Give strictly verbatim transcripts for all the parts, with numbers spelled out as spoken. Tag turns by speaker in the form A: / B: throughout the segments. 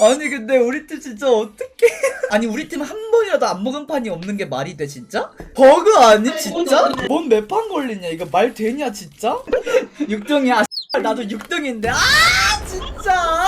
A: 아니 근데 우리 팀 진짜 어떡해. 아니 우리 팀 한 번이라도 안 먹은 판이 없는 게 말이 돼 진짜? 버그 아니 진짜? 뭔 몇 판 걸리냐 이거 말 되냐 진짜? 육 등이야. 나도 육 등인데 아 진짜.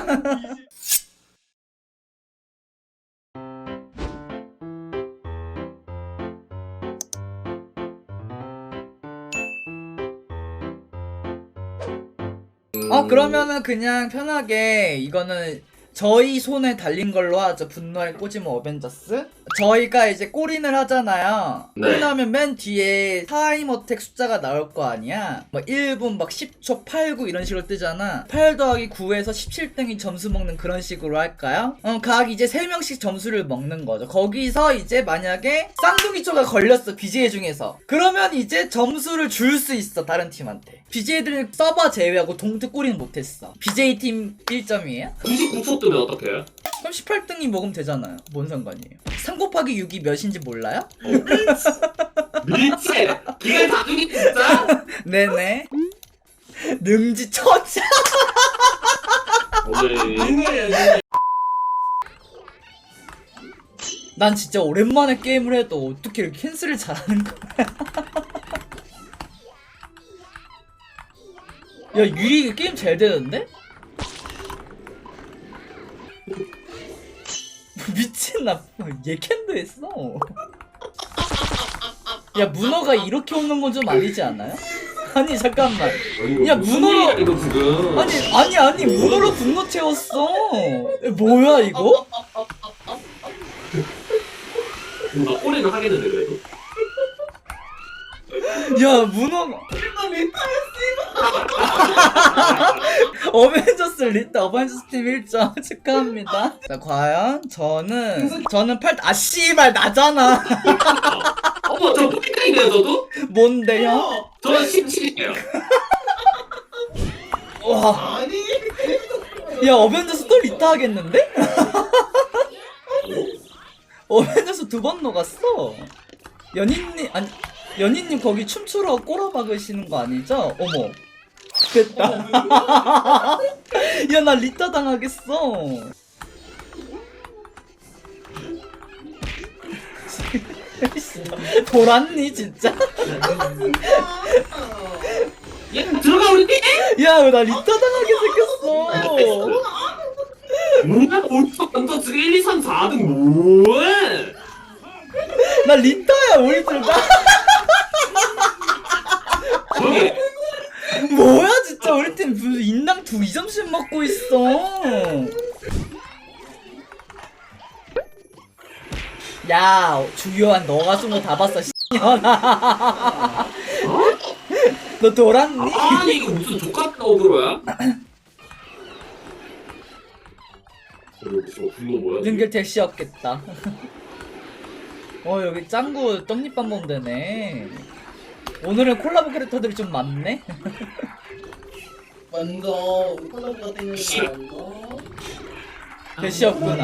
A: 어 그러면은 그냥 편하게 이거는 저희 손에 달린 걸로 하죠. 분노의 꼬지모 어벤져스. 저희가 이제 꼬린을 하잖아요.
B: 네.
A: 꼬린하면 맨 뒤에 타임 어택 숫자가 나올 거 아니야. 뭐 일 분 막 십 초 팔, 구 이런 식으로 뜨잖아. 팔 더하기 구에서 십칠 등이 점수 먹는 그런 식으로 할까요? 어, 각 이제 세 명씩 점수를 먹는 거죠. 거기서 이제 만약에 쌍둥이 쪼가 걸렸어 비제이 중에서. 그러면 이제 점수를 줄 수 있어 다른 팀한테. 비제이들 서버 제외하고 동트 꼬리는 못했어. 비제이 팀 일 점이에요?
B: 구십구 초 뜨면 어떡해요?
A: 그럼 십팔 등이 먹으면 되잖아요. 뭔 상관이에요? 삼 곱하기 육이 몇인지 몰라요?
B: 미치! 기가 다 죽이 진짜?
A: 네네. 능지 처자.
B: 오늘
A: 난 진짜 오랜만에 게임을 해도 어떻게 이렇게 캔슬을 잘하는 거야. 야 유리 게임 잘 되는데? 미친나 얘 캔도 했어. 야 문어가 이렇게 오는 건 좀 아니지 않아요? 아니 잠깐만. 야 문어로
B: 이거 지금
A: 아니 아니 아니 문어로 분노 채웠어. 뭐야 이거?
B: 나 꼬리는 하겠는데 그래도?
A: 야 문어가 어벤져스 리타 어벤져스 팀 일 점 축하합니다. 자 과연 저는 저는 팔 아 씨발 나잖아.
B: 어머 저 포켓이네요 저도?
A: 뭔데요?
B: 저는 십칠이에요.
A: 와. 야 어벤져스 또 리타 하겠는데? 어벤져스 두 번 녹았어. 연인님 아니 연인님 거기 춤추러 꼬라 박으시는 거 아니죠? 어머 됐다. 야 나 리타 당하겠어. 돌았니 진짜?
B: 얘 들어가 우리 팀!
A: 야 나 리타 당하게 생겼어.
B: 뭐야 벌써 먼저 지금 일, 이, 삼, 사 등 뭐해?
A: 나 리타야 우리 둘 다.
B: 저기
A: 뭐야 진짜 우리 팀 무슨 인당 두 이 점씩 먹고 있어. 야 주요한 너가 쏜 거 다 봤어 씨년아. 너 돌았니?
B: 아니 이거 무슨 족같은 어그로야? 여기 분노 뭐야?
A: 능결 대시였겠다. 어 여기 짱구 떡잎밥 먹으면 되네. 오늘은 콜라보 캐릭터들이 좀 많네.
C: 먼저 콜라보가 되는 거
A: 대시였구나.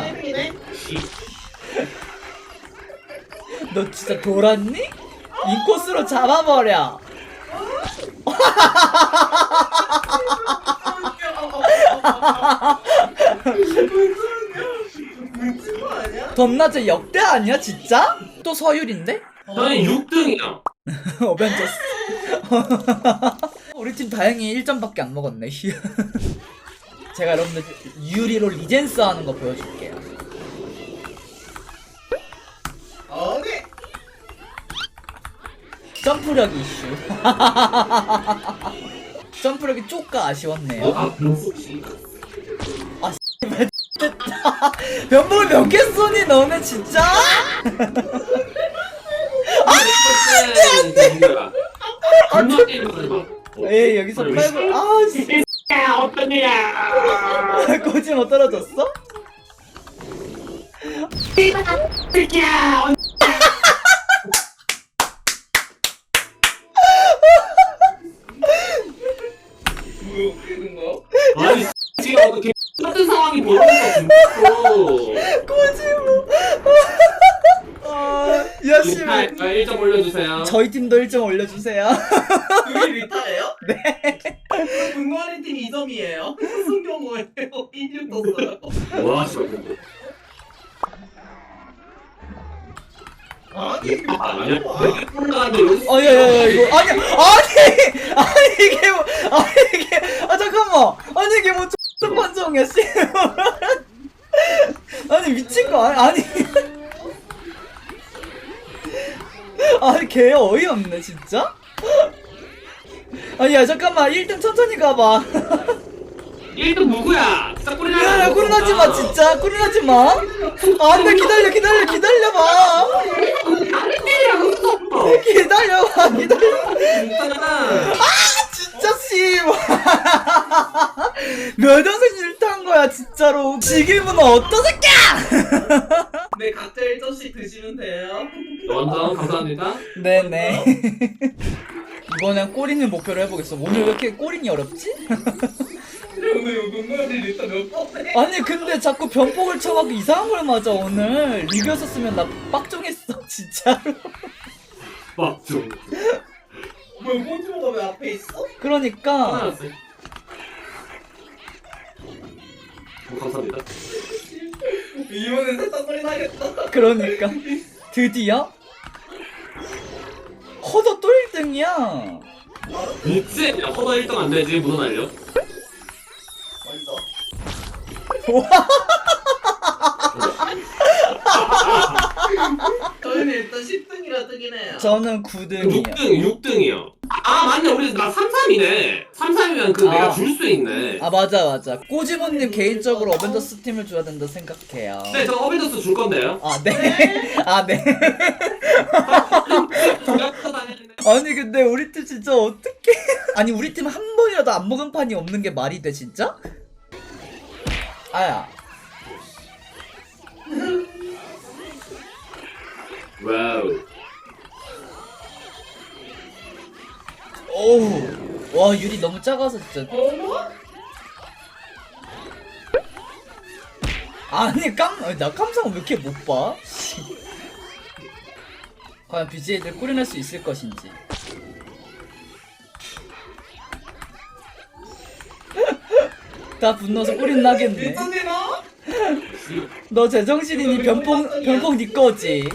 A: 너 진짜 돌았니? 인코스로 잡아버려. 덤나제 역대 아니야 진짜? 또 서율인데?
B: 저는 육 등이야.
A: 어벤져스. 우리 팀 다행히 일 점밖에 안 먹었네. 제가 여러분들 유리로 리젠스 하는 거 보여줄게요.
C: 어디?
A: 점프력 이슈. 점프력이 쪼까 아쉬웠네요.
B: 아 변속시.
A: 변복을 몇 개 쏘니 너네 진짜?
B: 안돼 안돼.
A: 에이 여기서 팔고 아 진짜
B: 어떤 일이야?
A: 꼬지 못 떨어졌어?
B: 아니 지금 어떻게 같은 상황이 벌어졌어.
A: 꼬지모. 아, 야 씨발.
B: 일 점 올려주세요.
A: 저희 팀도 일 점 올려주세요.
C: 그게 리타예요?
A: 네.
C: 분노하는 팀 이 점이에요. 무슨 경우예요? 일 떴어요.
B: 와 씨발.
C: 아니
B: 아니야.
C: 아니야.
B: 올라가는데 여기서.
A: 아, 야, 야, 야, 이거. 아니, 아니! 아니, 이게 뭐. 아니, 이게. 아, 잠깐만. 아니, 이게 뭐, X 판정이야, 씨. 아니, 미친 거 아니, 아니. 아니, 개 어이없네, 진짜? 아니, 야, 잠깐만. 일 등 천천히 가봐.
B: 일 등 누구야? 진짜 꼬리
A: 야, 야, 꿀나지 마, 진짜. 꿀나지 마. 아, 안 돼, 기다려, 기다려, 기다려봐. 기다려봐, 기다려.
B: 있잖아.
A: 진짜 씨. 몇 연승 일타한 거야, 진짜로. 지금은 어떤 새끼야!
C: 네 각자 일 점씩 드시면 돼요.
B: 완전 감사합니다.
A: 네네. 이번엔 꼬리는 목표로 해보겠어. 오늘 왜 이렇게 꼬리니 어렵지?
C: 오늘 분노하는 일단 몇 번?
A: 아니, 근데 자꾸 변폭을 쳐갖고 이상한 걸 맞아, 오늘. 리뷰였었으면 나 빡종했어, 진짜로.
B: 맞죠.
C: 뭐 폰트로가 왜 앞에 있어?
A: 그러니까.
B: 하나였어요. 뭐, 감사합니다.
C: 이번엔 살짝 소리 나겠다.
A: 그러니까. 드디어? 허더 또 일 등이야.
B: 미치? 야, 허더 일 등 안 되지. 무슨 알려?
C: 어딨어? 저희는 일단 십 등이라 뜨긴 해요.
A: 저는 구 등이요.
B: 육 등, 육 등이요. 아, 맞네. 우리 나 삼, 삼이네. 삼, 삼이면 그
A: 아.
B: 내가 줄 수 있네.
A: 아, 맞아, 맞아. 꼬지모님 개인적으로 어벤져스 팀을 줘야 된다 생각해요.
B: 네, 저 어벤져스 줄 건데요.
A: 아, 네. 아, 네.
B: 다녔는데.
A: 아니, 근데 우리 팀 진짜 어떡해. 아니, 우리 팀 한 번이라도 안 먹은 판이 없는 게 말이 돼, 진짜? 아야.
B: 와우.
A: 오우. 와, 유리 너무 작아서 진짜.
C: 어머?
A: 아니, 깜, 아니, 나 깜상 왜 이렇게 못 봐? 과연 비지에이를 꾸려낼 수 있을 것인지. 다 분노서 꿀이 나겠네.
C: 일등이나?
A: 너 제정신이니 변폭, 변폭 니 거지.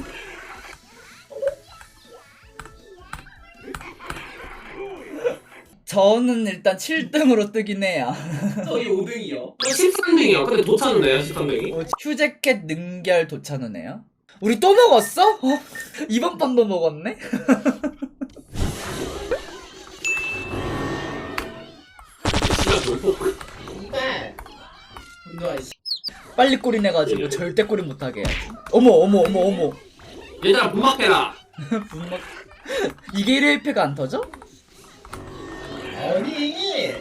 A: 저는 일단 칠 등으로 뜨긴 해요.
C: 저희 오 등이요.
B: 십삼 등이요. 근데 도착은데요, 십삼 등이?
A: 어, 휴재켓 능결 도착하네요. 우리 또 먹었어? 어? 이번 판도 먹었네?
B: 시간 돌폭.
C: 네. 분노하 씨.
A: 빨리 꼬리 내가지고 절대 꼬리 못하게 해야지. 어머 어머 어머 어머.
B: 얘들아, 분막해라.
A: 분막. 이게 일 회 일 패가 안 터져?
C: 아니.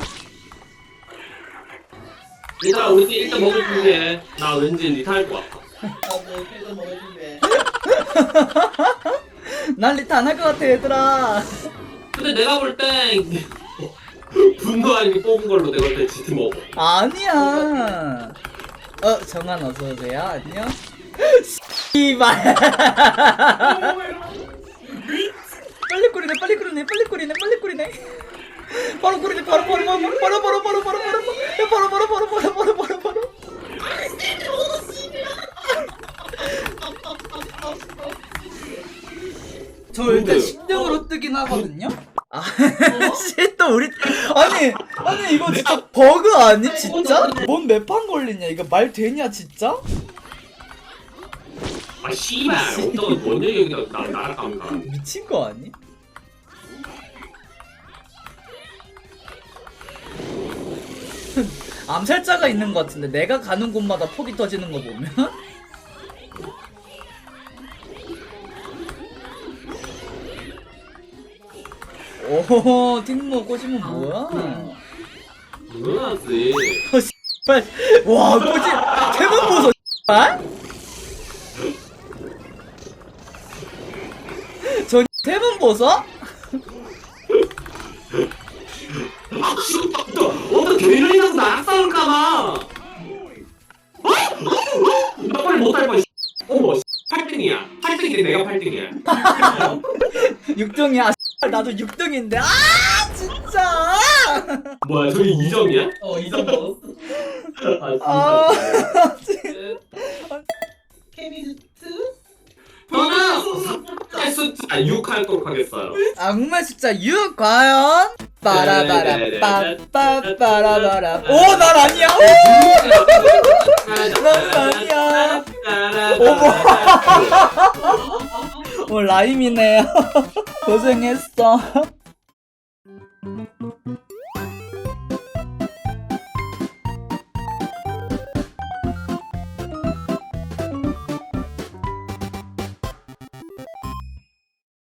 B: 얘들아, 우리 팀 일단 먹을 준비해. 나 왠지 리타할 것 같아.
C: 나도 필드 먹을 준비해.
A: 난 리타 안 할 것 같아, 얘들아.
B: 근데 내가 볼 때 분노하니 뽑은 걸로 내가 볼 때 지트 먹어.
A: 아니야. 어, 정한 어서 오세요. 안녕. 씨발. 빨리 꼬리네, 빨리 꼬리네, 빨리 꼬리네, 빨리 꼬리네. 바로 꼬리네, 바로 바로 바로 바로 바로 바로 바로 바로 바로 바로 바로 바로 바로 바로 바로 바로. 저 일단 십 등으로 뜨긴 하거든요. 아, 씨, 또 우리 아니 아니 이거 진짜 버그 아니 진짜? 뭔 매판 걸리냐 이거 말 되냐 진짜?
B: 아 씨발 어떤 뭔 얘기야 나 날아갑니다.
A: 미친 거 아니? 암살자가 있는 것 같은데 내가 가는 곳마다 폭이 터지는 거 보면 오 팅모 꽂으면 뭐야?
B: 당연하지.
A: 빨, 와 꽂이 태문 보소 발? 저 태문 보소?
B: 아 씨발 어떤 개인이라서 나랑 싸울까봐. 어? 나 빨리 못할 거야. 어머 팔 등이야. 팔 등인데 내가 팔 등이야.
A: 육 등이야. 나도 육 등인데. 아 진짜. 진짜.
B: 뭐야 저기 이 점이야?
C: 어, 이 점 먹었어.
A: 아,
C: 케미스트?
B: 저는 삼의 숫자 육 하도록 하겠어요.
A: 악마의 숫자 육 과연? 빠라바라 빠빠빠라바라. 오, 난 아니야. 난 아니야. 어머. 뭐 라임이네요. 고생했어.